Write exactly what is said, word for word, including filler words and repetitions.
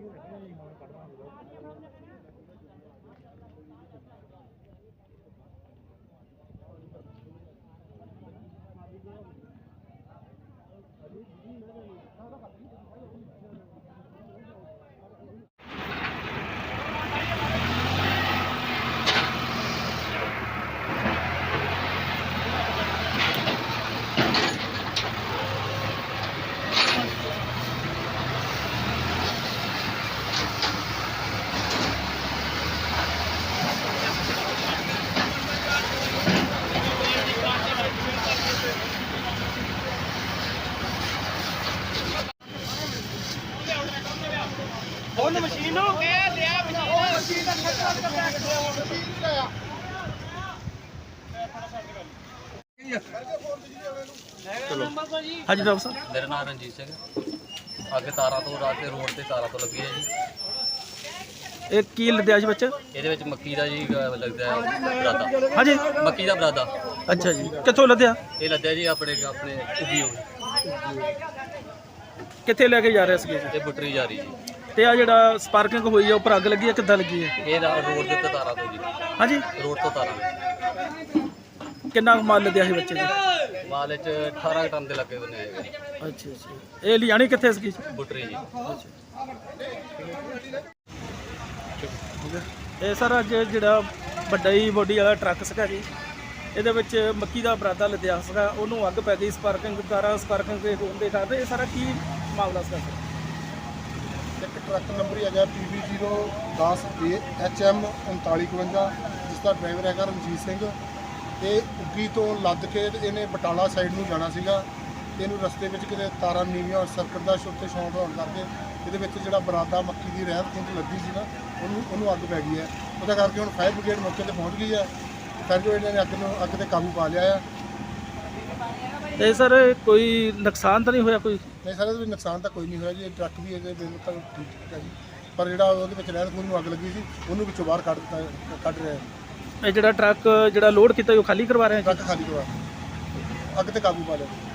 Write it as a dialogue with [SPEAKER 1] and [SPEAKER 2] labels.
[SPEAKER 1] ਉਹਨੂੰ ਮਸ਼ੀਨ ਨੂੰ ਕਹਿ ਲਿਆ ਉਹ ਮਸ਼ੀਨ ਦਾ ਖੱਟਾ ਕਰ ਬੈਕ ਮਸ਼ੀਨ ਨਹੀਂ ਲਾਇਆ ਚਲੋ ਹਾਂਜੀ ਡਾਕਟਰ ਸਾਹਿਬ
[SPEAKER 2] ਮੇਰਾ ਨਾਮ ਰਣਜੀਤ ਸਿੰਘ ਅੱਗੇ ਤਾਰਾਂ ਤੋਂ ਰਾਤ ਤੇ ਰੋਡ ਤੇ ਤਾਰਾਂ ਤੋਂ ਲੱਗੀ ਹੈ ਜੀ।
[SPEAKER 1] ਇਹ ਕੀ ਲੱਦਿਆ ਜੀ ਬੱਚਾ?
[SPEAKER 2] ਇਹਦੇ ਵਿੱਚ ਮੱਕੀ ਦਾ ਜੀ ਅਹ ਲੱਗਦਾ ਹੈ ਬਰਾਦਾ।
[SPEAKER 1] ਹਾਂਜੀ
[SPEAKER 2] ਮੱਕੀ ਦਾ ਬਰਾਦਾ।
[SPEAKER 1] ਅੱਛਾ ਜੀ, ਕਿੱਥੋਂ ਲੱਦਿਆ?
[SPEAKER 2] ਇਹ ਲੱਦਿਆ ਜੀ ਆਪਣੇ ਆਪਣੇ ਉਗੀ ਹੋ
[SPEAKER 1] ਕਿੱਥੇ ਲੈ ਕੇ ਜਾ ਰਹੇ ਸੀਗੇ ਜੀ?
[SPEAKER 2] ਇਹ ਬੁੱਟਰੀ ਜਾ ਰਹੀ ਜੀ।
[SPEAKER 1] ਤੇ ਆ ਜਿਹੜਾ ਸਪਾਰਕਿੰਗ ਹੋਈ ਆ ਉੱਪਰ ਅੱਗ ਲੱਗੀ ਆ, ਕਿੱਦਾਂ ਲੱਗੀ ਹੈ?
[SPEAKER 2] ਇਹ ਰਾ- ਰੋਡ ਦੇ ਉੱਤੇ ਤਾਰਾਂ ਤੋਂ ਜੀ।
[SPEAKER 1] ਹਾਂਜੀ,
[SPEAKER 2] ਰੋਡ ਤੋਂ ਤਾਰਾਂ।
[SPEAKER 1] ਕਿੰਨਾ ਕੁ ਮਾਲ ਲੱਦਿਆ ਸੀ ਬੱਚੇ ਦੇ?
[SPEAKER 2] ਮਾਲ ਵਿੱਚ ਅਠਾਰਾਂ ਟਨ ਦੇ ਲੱਗੇ ਬੰਨੇ ਹੈਗੇ।
[SPEAKER 1] ਅੱਛਾ ਅੱਛਾ, ਇਹ ਲਿਆਣੀ ਕਿੱਥੇ ਸੀਗੀ?
[SPEAKER 2] ਬੁੱਟਰੀ ਜੀ।
[SPEAKER 1] ਇਹ ਸਰ ਅੱਜ ਜਿਹੜਾ ਵੱਡਾ ਹੀ ਬੋਡੀ ਵਾਲਾ ਟਰੱਕ ਸੀਗਾ ਜੀ, ਇਹਦੇ ਵਿੱਚ ਮੱਕੀ ਦਾ ਬਰਾਦਾ ਲੱਦਿਆ ਸੀਗਾ, ਉਹਨੂੰ ਅੱਗ ਪੈ ਗਈ ਸਪਾਰਕਿੰਗ ਕਾਰਾਂ ਸਪਾਰਕਿੰਗ ਦੇ ਹੋਣ ਦੇ ਕਾਰਨ। ਇਹ ਸਾਰਾ ਕੀ ਮਾਮਲਾ ਸੀਗਾ ਸਰ?
[SPEAKER 3] ਇੱਕ ਟਰੱਕ ਨੰਬਰ ਹੈਗਾ ਪੀ ਬੀ ਜ਼ੀਰੋ ਦਸ ਏ ਐਚ ਐਮ ਉਨਤਾਲੀ ਇਕਵੰਜਾ, ਜਿਸ ਦਾ ਡਰਾਈਵਰ ਹੈਗਾ ਰਣਜੀਤ ਸਿੰਘ। ਤੇ ਉੱਗੀ ਤੋਂ ਲੱਦ ਕੇ ਇਹਨੇ ਬਟਾਲਾ ਸਾਈਡ ਨੂੰ ਜਾਣਾ ਸੀਗਾ। ਇਹਨੂੰ ਰਸਤੇ ਵਿੱਚ ਕਿਤੇ ਤਾਰਾਂ ਨੀਵੀਆਂ ਸਰਕਟ ਦਾ ਉੱਤੇ ਸ਼ੌਂਟ ਹੋਣ ਕਰਕੇ ਇਹਦੇ ਵਿੱਚ ਜਿਹੜਾ ਬਰਾਦਾ ਮੱਕੀ ਦੀ ਰਹਿਤ ਖੁੰਦ ਲੱਗੀ ਸੀ ਨਾ, ਉਹਨੂੰ ਉਹਨੂੰ ਅੱਗ ਪੈ ਗਈ ਹੈ। ਉਹਦਾ ਕਰਕੇ ਹੁਣ ਫਾਇਰ ਬ੍ਰਿਗੇਡ ਮੌਕੇ 'ਤੇ ਪਹੁੰਚ ਗਈ ਹੈ। ਫਿਰ ਜੋ ਇਹਨਾਂ ਨੇ ਅੱਗ ਨੂੰ ਅੱਗ 'ਤੇ ਕਾਬੂ ਪਾ ਲਿਆ ਆ।
[SPEAKER 1] ਤੇ ਸਰ ਕੋਈ ਨੁਕਸਾਨ ਤਾਂ ਨਹੀਂ ਹੋਇਆ ਕੋਈ?
[SPEAKER 3] ਨਹੀਂ ਸਰ, ਇਹਦੇ ਵਿੱਚ ਨੁਕਸਾਨ ਤਾਂ ਕੋਈ ਨਹੀਂ ਹੋਇਆ ਜੀ। ਟਰੱਕ ਵੀ ਇਹਦੇ ਬਿਲਕੁਲ ਠੀਕ ਠੀਕ ਹੈ ਜੀ, ਪਰ ਜਿਹੜਾ ਉਹਦੇ ਵਿੱਚ ਰਹਿਤ ਖੁੰਦ ਨੂੰ ਅੱਗ ਲੱਗੀ ਸੀ ਉਹਨੂੰ ਵਿੱਚੋਂ ਬਾਹਰ ਕੱਢ ਦਿੱਤਾ ਕੱਢ ਰਿਹਾ।
[SPEAKER 1] ਇਹ ਜਿਹੜਾ ਟਰੱਕ ਜਿਹੜਾ ਲੋਡ ਕੀਤਾ ਉਹ ਖਾਲੀ ਕਰਵਾ ਰਹੇ ਆ ਜੀ?
[SPEAKER 3] ਟਰੱਕ ਖਾਲੀ ਕਰਵਾ ਅੱਗ 'ਤੇ ਕਾਬੂ ਪਾ ਲਿਆ।